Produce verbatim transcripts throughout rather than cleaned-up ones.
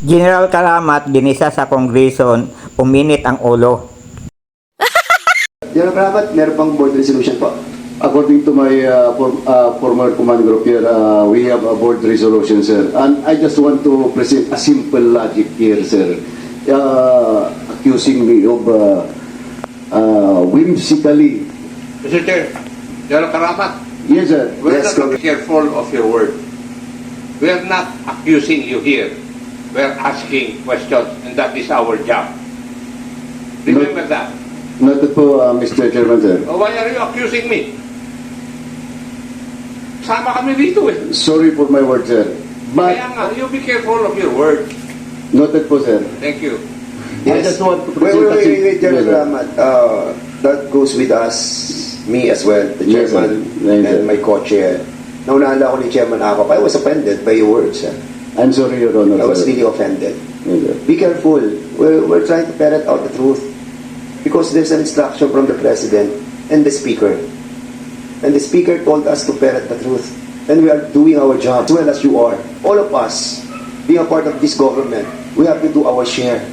General Karamat ginisa sa Kongreso, uminit ang ulo. General Karamat, meron pang board resolution po. According to my uh, for, uh, former command group here, uh, we have a board resolution, sir. And I just want to present a simple logic here, sir. Uh, accusing me of uh, uh, whimsically. Mister Chair, General Karamat, Yes, sir. we're Yes, not careful of your word. We are not accusing you here. We are asking questions, and that is our job. Remember that. Noted po, uh, Mister Chairman, sir. Oh, why are you accusing me? Sama kami dito eh. Sorry for my word, sir. But, Kaya nga, you be careful of your word. noted po, sir. Thank you. I just want to Wait, present wait, a wait, sim- wait, General Yes, sir. Karamat. Uh, that goes with us, me as well, the Yes, sir. chairman Yes, sir. and my co-chair. Naunahan ako ni Chairman Akop. I was offended by your words. Eh. I'm sorry, Your Honor, I was sir. really offended. Yes, sir. Be careful. We're, we're trying to ferret out the truth. Because there's an instruction from the President and the Speaker. And the Speaker told us to ferret the truth. And we are doing our job as well as you are. All of us, being a part of this government, we have to do our share.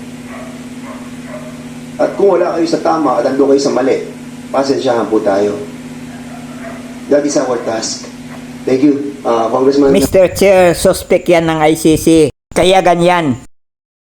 At kung wala kayo sa tama at ando kayo sa mali, pasensyahan po tayo. That is our task. Thank you, uh, Congressman. Mister Chair, suspect yan ng I C C. Kaya ganyan.